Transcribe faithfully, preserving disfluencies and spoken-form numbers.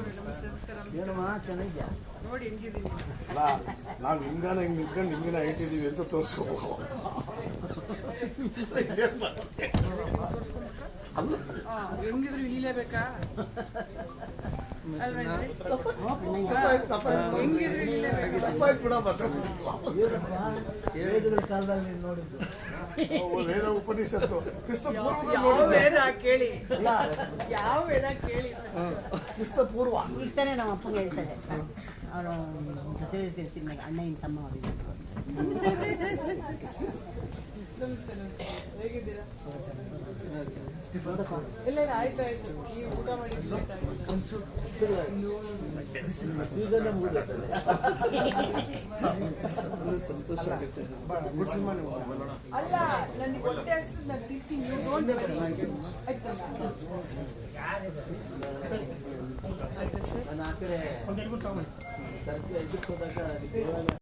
ಏನಮ್ಮ ಚೆನ್ನಾಗಿದ್ಯಾ? ನೋಡಿ ಹೆಂಗಿದೀನಿ. ಅಲ್ಲ ನಾವು ಹಿಂಗಾನ ಹಿಂಗೆ ನಿಂತ್ಕೊಂಡು ಹಿಂಗಿನ ಇಟ್ಟಿದ್ದೀವಿ ಅಂತ ತೋರಿಸ್ಕೋಬೇಕು. ಅಲ್ಲ ಹೆಂಗಿದ್ರು ಇಳಿಲೇಬೇಕಾ? ಹೆಂಗಿದ್ರು ಇಳಿಲೇಬೇಕಾ? ತಪ್ಪಾಯ್ತು ಬಿಡ. ಮತ್ತೆ ವೇದಗಳ ಕಾಲದಲ್ಲಿ ನೀನು ನೋಡಿದ್ದು ವೇದ ಉಪನಿಷತ್ತು ಕ್ರಿಸ್ತ ಪೂರ್ವದಲ್ಲಿ ಯಾವ ನೋಡಿದ್ದೆ. ವೇದ ಕೇಳಿ, ಯಾವ ವೇದ ಕೇಳಿ. ಕ್ರಿಸ್ತ ಪೂರ್ವ. ಈಗ ತಾನೇ ನಮ್ಮ ಅಪ್ಪಂಗೆ ಹೇಳ್ತಾರೆ, ಅವರು ಜೊತೆ ತಿರ್ತೀನಿ ಅಣ್ಣನ ತಮ್ಮ ಅವರಿಗೆ. ನಮಸ್ತೆ ನಮಸ್ತೆ, ಹೇಗಿದ್ದೀರಾ? ಇಲ್ಲ ಇಲ್ಲ, ಆಯ್ತು ಆಯ್ತು. ನೀವು ಊಟ ಮಾಡಿದ್ದು ಲೇಟ್ ಆಗಿದೆ. ಸೀಸನ್ ಮುಗಿದ ಸಂತೋಷ ಆಗುತ್ತೆ. ಅಲ್ಲ, ನನಗೆ ಹೊಟ್ಟೆ ಹಸಿದು ನಾನು ತಿಂತೀನಿ, ನೀವು ನೋಡ್ಬೇಕು. ಆಯ್ತಾ ಆಯ್ತಾ ಸರ್? ನಾನು ಆ ಕಡೆ ಸರ್ತಿ ಇದಕ್ಕೆ ಹೋದಾಗ